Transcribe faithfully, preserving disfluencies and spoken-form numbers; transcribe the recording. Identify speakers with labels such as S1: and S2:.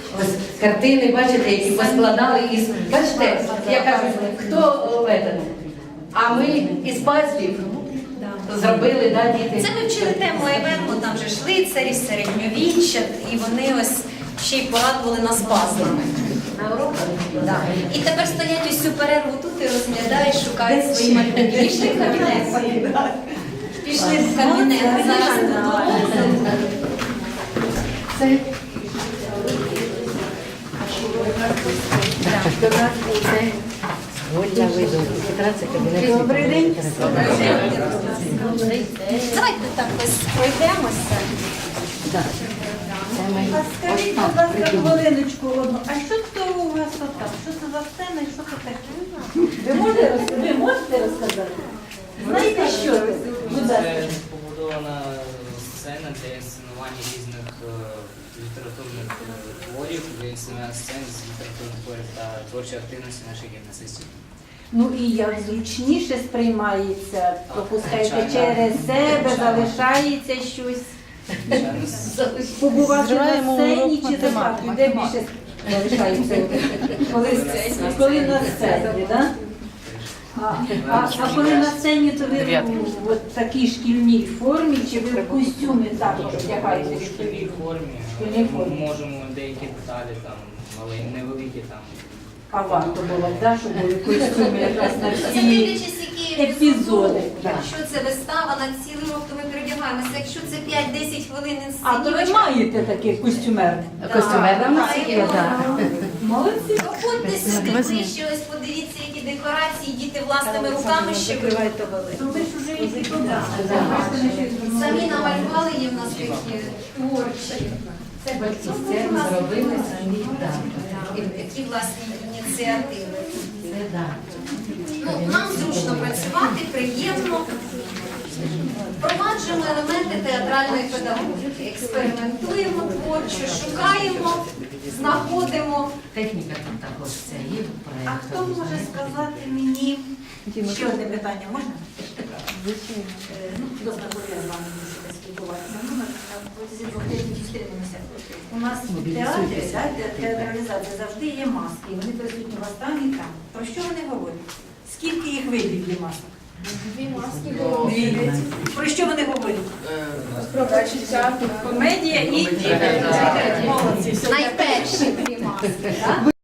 S1: ось картини, бачите, які поскладали із. Бачите, я кажу, хто этот? А ми із пазлів зробили, да, діти?
S2: Це ми вчили тему Айвенго, там же ж лицарі, середньовіччя, і вони ось ще й порадували нас пазлами. На уроках? Да. І тепер стоять ось цю перерву тут і розглядають, шукають свої малюнки. Пішли в кабінет. Пішли в кабінет. Зараз тут.
S1: Це до нас це Ольга Виду. Це кабінет. Добрий день.
S2: Давайте так ось пройдемося.
S3: А скажіть, будь ласка, хвилиночку одну. А що це у вас отак? Що це за сцена і що це таке? Ви можете, роз- ви можете розказати? Знаєте, що це? Будь ласка.
S4: Це побудована сцена для інсценування різних е, літературних е, творів, для інсценування сцен з літературних творів та творчої активності наших гімназистів.
S3: Ну і як зручніше сприймається, пропускаєте
S4: звичайно.
S3: через себе, залишається щось.
S4: Звичайно,
S3: Побувати на сцені чи за фактом? Де більше залишається? Коли, коли на сцені, так? А, а, а коли на сцені, то ви в от такій шкільній формі, чи ви в костюмі також вдягаєте
S4: в шкільній
S3: відповідно?
S4: формі
S3: шкільній
S4: ми
S3: формі.
S4: можемо деякі деталі там маленькі, невеликі там.
S3: А варто було, да, щоб були костюми якраз на
S2: Це
S3: всі
S2: дивлячись, які
S3: епізоди. Да.
S2: Якщо це вистава на цілий рок, то ми передягаємося. Якщо це п'ять-десять хвилин
S3: А то ви
S2: інсценівочка,
S3: маєте таких костюмерних?
S1: Костюмерна в нас є, так.
S3: Молодці.
S2: проходьте сюди ближче, ось подивіться, які декорації діти власними руками ще виготовили.
S3: Ну ви ж уже і туди.
S2: Самі намалювали, є в нас такі творчі.
S1: Це батьки сцену зробили самі. Так.
S2: І такі власні ініціативи.
S1: Це так.
S2: Ну, нам зручно працювати, приємно. Впроваджуємо елементи театральної педагогіки, експериментуємо творчо, шукаємо, знаходимо.
S1: Техніка тут також це є
S3: А
S1: проєкт.
S3: хто може сказати мені, ще одне питання можна? Е, Ну, добре, коли я з вами буду спілкуватися. Ну, на протязі двох тижнів зустрінемося. У нас в театрі, да, те- театралізація завжди є маски. Вони присутні вас там і там. Про що вони говорять? Скільки їх видів є масок? Дві маски. Про що вони говорять? Про почуття, комедія і молодці. Все,
S2: Найперші дві маски.